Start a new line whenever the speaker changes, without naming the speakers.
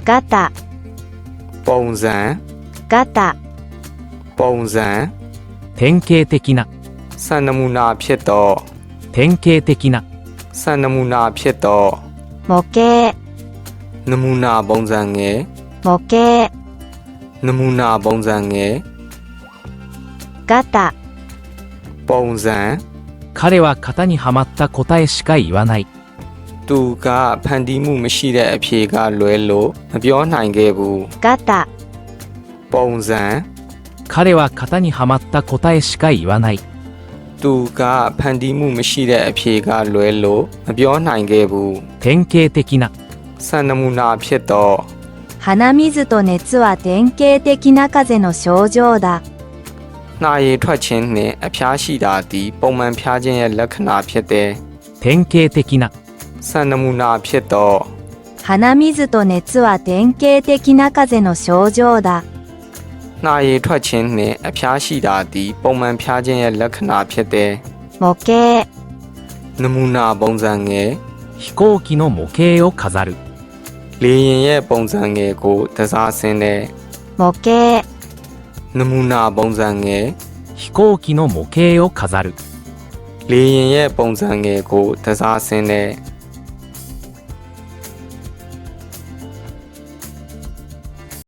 ガタ、
ပုံစံ
ガタ、
ပုံစံ
典型的な、
စံနမူနာဖြစ်သော
典型的な、
စံနမူနာဖြစ်သော
模型、
နမူနာပုံစံငယ်
模型、
နမူနာပုံစံငယ်
ガタ、
ပုံစံ
彼は型にはまった答えしか言わない。
သူကဖန်တီးမှုမရှိတဲ့အဖြေကလွဲလို့မပြောနိုင်ခဲ့ဘူး。
ガタ、
ပုံစံ
彼は型にはまった答えしか言わない。
သူကဖန်တီးမှုမရှိတဲ့အဖြေကလွဲလို့မပြောနိုင်ခဲ့ဘူး。
典型的な、
စံနမူနာဖြစ်သော
鼻水と熱は典型的な風邪の症状だ。
နှာရည်ထွက်ခြင်းနှင့်အဖျားရှိတာသည်ပုံမှန်ဖျားခြင်းရဲ့လက္ခဏာဖြစ်တယ်。
典型的な、
စံနမူနာဖြစ်သော
鼻水と熱は典型的な風邪の症状だ。
နှာရည်ထွက်ခြင်းနှင့်အဖျားရှိတာသည်ပုံမှန်ဖျားခြင်းရဲ့လက္ခဏာဖြစ်တယ်。
模型、
နမူနာပုံစံငယ်
飛行機の模型を飾る。
လေယာဉ်ရဲ့ပုံစံငယ်ကိုတစားဆင်းတဲ့
模型、
နမူနာပုံစံငယ်
飛行機の模型を飾る。
လေယာဉ်ရဲ့ပုံစံငယ်ကိုတစားဆင်းတဲ့